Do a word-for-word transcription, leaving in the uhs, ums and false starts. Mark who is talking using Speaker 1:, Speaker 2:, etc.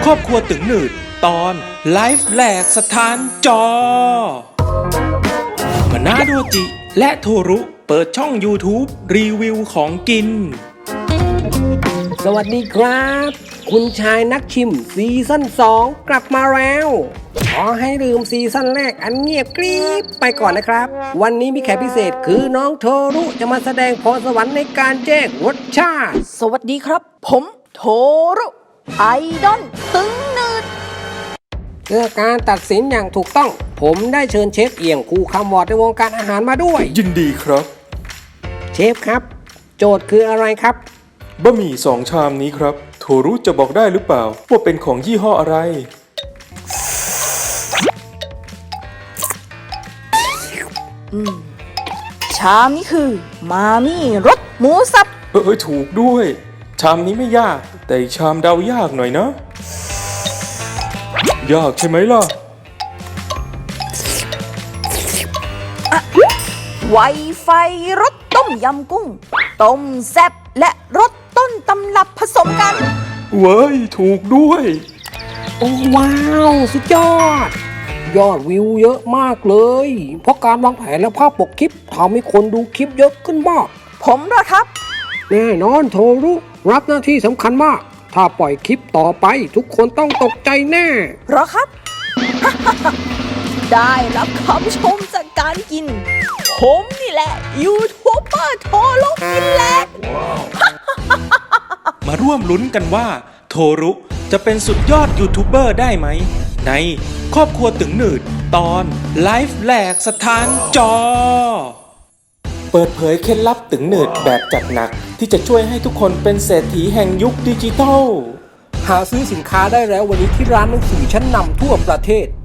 Speaker 1: รอบครัวตึงหนืดตอนไลฟ์แหลกสถานจอมานาโดจิและโทรุเปิดช่อง YouTube รีวิวของกิน
Speaker 2: สวัสดีครับคุณชายนักชิมซีซั่นสองกลับมาแล้วขอให้ลืมซีซั่นแรกอันเงียบกริบไปก่อนนะครับวันนี้มีแขกพิเศษคือน้องโทรุจะมาแสดงพรสวรรค์ในการแจ้งรสชาติ
Speaker 3: สวัสดีครับผมโทรุไอดอลตึงหนืด
Speaker 2: เพื่อการตัดสินอย่างถูกต้องผมได้เชิญเชฟเอียงคู่คำวอร์ดในวงการอาหารมาด้วย
Speaker 1: ยินดีครับ
Speaker 2: เชฟครับโจทย์คืออะไรครับ
Speaker 1: บะหมี่สองชามนี้ครับโทรุจะบอกได้หรือเปล่าว่าเป็นของยี่ห้ออะไร
Speaker 3: อืมชามนี้คือมามี่รสหมูสับ
Speaker 1: เออถูกด้วยชามนี้ไม่ยากแต่ชามเดายากหน่อยนะยากใช่ไหมล่ะ
Speaker 3: ไวไฟรสต้มยำกุ้งต้มแซ่บและรสต้นตำรับผสมกัน
Speaker 1: เว้ยถูกด้วย
Speaker 2: โอ้ว้าวสุดยอดยอดวิวเยอะมากเลยเพราะการวางแผนและภาพปกคลิปทำให้คนดูคลิปเยอะขึ้นมาก
Speaker 3: ผมเหรอครับ
Speaker 2: แน่นอนโทรุรับหน้าที่สำคัญมากถ้าปล่อยคลิปต่อไปทุกคนต้องตกใจแน่
Speaker 3: เหรอครับ ได้รับคำชมจากการกินผมนี่แหละยูทูบเบอร์โทรุกินแหลก
Speaker 1: มาร่วมลุ้นกันว่าโทรุจะเป็นสุดยอดยูทูบเบอร์ได้ไหมในครอบครัวตึงหนืดตอนไลฟ์แหลกสถานจอเปิดเผยเคล็ดลับตึงหนืดแบบจัดหนักที่จะช่วยให้ทุกคนเป็นเศรษฐีแห่งยุคดิจิทัล
Speaker 2: หาซื้อสินค้าได้แล้ววันนี้ที่ร้านหนังสือชั้นนำทั่วประเทศ